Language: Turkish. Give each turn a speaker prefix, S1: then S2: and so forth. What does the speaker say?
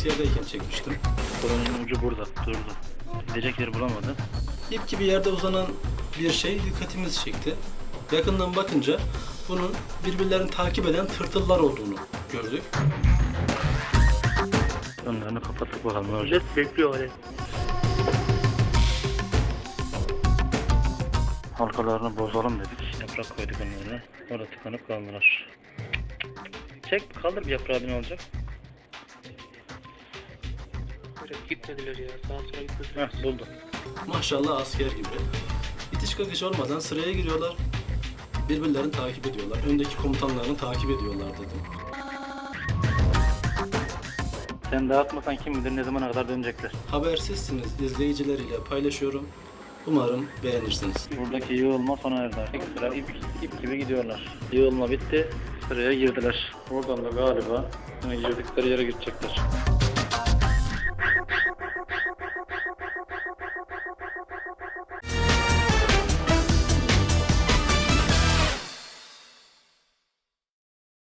S1: askerdeyken çekmiştim.
S2: Kolonun ucu burada, durdu. Gidecek yer bulamadı.
S1: İp gibi yerde uzanan bir şey dikkatimizi çekti. Yakından bakınca bunun birbirlerini takip eden tırtıllar olduğunu gördük.
S2: Önlerini kapattık bakalım ne olacak.
S3: Millet bekliyor öyle.
S2: Halkalarını bozalım dedik. Yaprak koyduk onlara. Orada tıkanıp kaldılar. Çek, kaldır bir yaprağı, ne olacak?
S3: Böyle gitmediler ya. Sağa sola gitmediler.
S2: Heh, buldum.
S1: Maşallah asker gibi. İtiş kakış olmadan sıraya giriyorlar. Birbirlerini takip ediyorlar. Öndeki komutanlarını takip ediyorlar dedim.
S2: Sen dağıtmasan kim bilir ne zamana kadar dönecekler.
S1: Habersizsiniz izleyicileriyle paylaşıyorum. Umarım beğenirsiniz.
S2: Buradaki yığılma sona erdi artık. Sıra ip gibi gidiyorlar. Yığılma bitti. Sıraya girdiler. Oradan da galiba girdikleri yere gidecekler.